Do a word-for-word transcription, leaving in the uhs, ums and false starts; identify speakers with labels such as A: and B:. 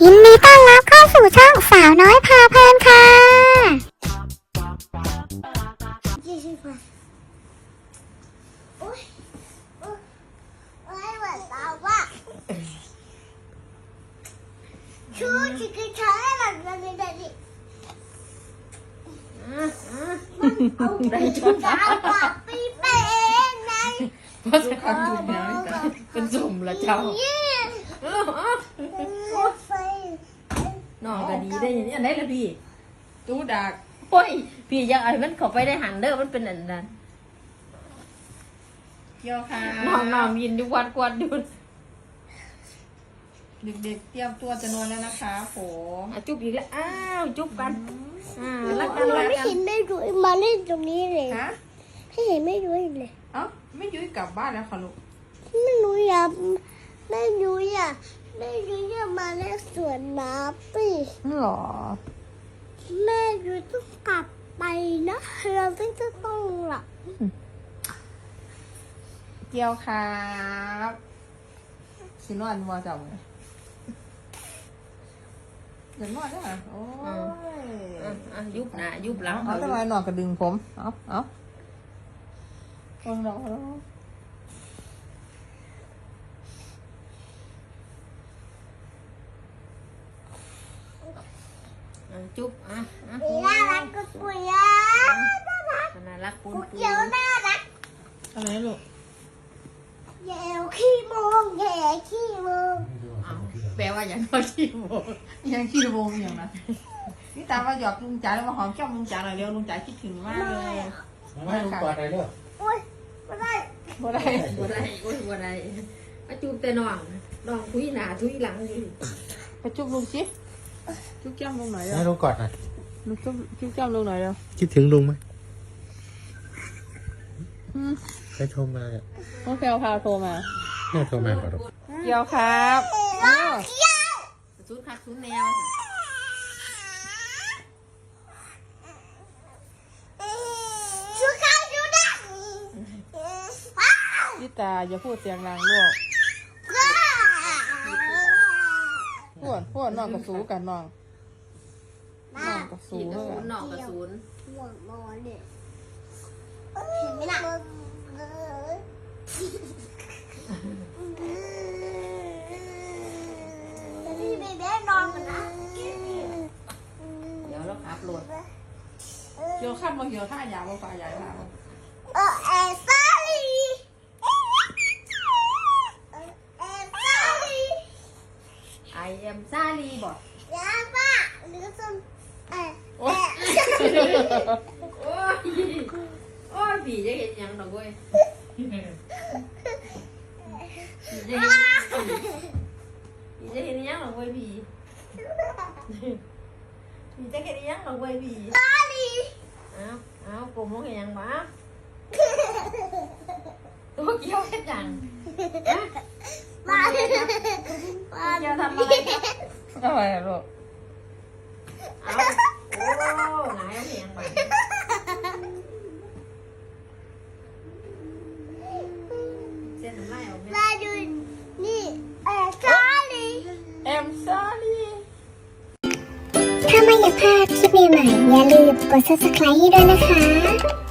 A: ยินดีต้อนรับเข้าสู่ช่องสาวน้อยพาเพลินค่ะ
B: ชูชิคกี้พายหลังจากนี้ได้ดิได้ชุดดาวกับปีเป็นไง
C: เพราะจะทำจุดนี้เป็นสมละเจ้าน้องก็ดีได้ยังอันไหนละพี่ตู้ดักโอ้ยพี่ยังไอ้มันเข้าไปได้หันเด้อมันเป็นอันนั้นเกี่ยวค่ะน้องน้องยินดูวัดกวาดดูเด็กๆเตรียมตัวจะนอนแล้วนะคะผมจุ๊บอีกแล้วอ้าวจุ๊บกันอ่ารักกันรัก
B: ไม่
C: กัน
B: เห็นไม่รู้มาเล่นตรงนี้เลย
C: ฮะ
B: ไม่เห็นไม่รู้เลย
C: เอ้าไม่ยุ้ยกลับบ้านแล้วค่ะลูก
B: ไม่รู้อยากไม่รู้อยากไม่รู้อยากมาเล่นสวนน้ำปี
C: หรอ
B: แม่รู้ต้องกลับไปนะเราต้องจะต้องหลับ
C: เกี่ยวครับสินอนมัวจังเลยเดี๋ยวนอนได้ไหมโอ้ยยุบหน้ายุบหลังเอาทำไมนอนกระดึงผมเอาเอาลองลองลองจุ๊บอ่ะอ่ะ
B: น่ารักก็ปุยอ่ะน่ารัก
C: น่ารักปุ้นปุ้น
B: เดี๋ยวน่ารัก
C: อะไรลูก
B: แย่ขี้โมงแย่ขี้โมง
C: แปลว่าอย่างน้อยขี้โมงยังขี้โมงอย่างนั้นนี่ตามาหยอกลุงจ๋าแล้วมาหอมแก้มลุงจ๋าหน่อยเร็วลุงจ๋าคิดถึงมากเลย
D: ไม่ลุงกอดอะไรเด้อ
B: โอ๊ยไม่ได้
C: บ่ได้บ่ได้โอ๊ยบ่ได้มาจูบแต่น้องน้องทุยหน้าทุยหลังอยู่ไปจูบลุงสิจูบแก้มลุงหน่อย
D: ให้ลุงกอดหน่อย
C: ลุงจูบจูบแก้มลุงหน่อยเร็ว
D: คิดถึงลุงไหมใครโทรมาอ่ะ
C: น้องแพลวพาโทรมา
D: แม่โทรมาขอรับ
C: เกี่ยวครับเกี่ยวชุดคักชุดแนว
B: ชูข้าวชูดัง
C: พี่ตาอย่าพูดเสียงดังลูกพูดพูดน้องกับสูกันน้องน้องกับสูกันน้องกับสูน
B: หมดมอเนี่ยเห็นไหมล่ะพี่เบเบ้นอนกันนะ
C: เดี๋ยวเราขับรถเกี่ยวข้ามมาเกี่ยวท่ายาวมาฝ่ายใหญ่มา
B: เออเอซ่าลีเอซ่าลี
C: I am ซาลีบอก
B: ยาป้าหรือส้มเออ
C: โอ้ยโอ้ยโอ้ยผีจะเห็นยังหรอเว้ยผีจะเห็นผีจะเห็นยังหรอเว้ยผีผีจะเห็นยังหรอเว้ยผี
B: ซาลี
C: อ้าวอ้าวกลุ่มมองเห็นยังบ้าตัวเกี่ยวเห็นยัง
B: มา
C: เกี่ยวทำอะไรอะไรลูกเอาโอ้ไหนเอาเห็นยังบ้าเส้นไล่ออกไหม
B: มาดูนี่เอซาลี
C: I'm sorry
A: ถ้าไม่อยากพลาดคลิปใหม่ๆอย่าลืมกด ซับสไครบ์ ให้ด้วยนะคะ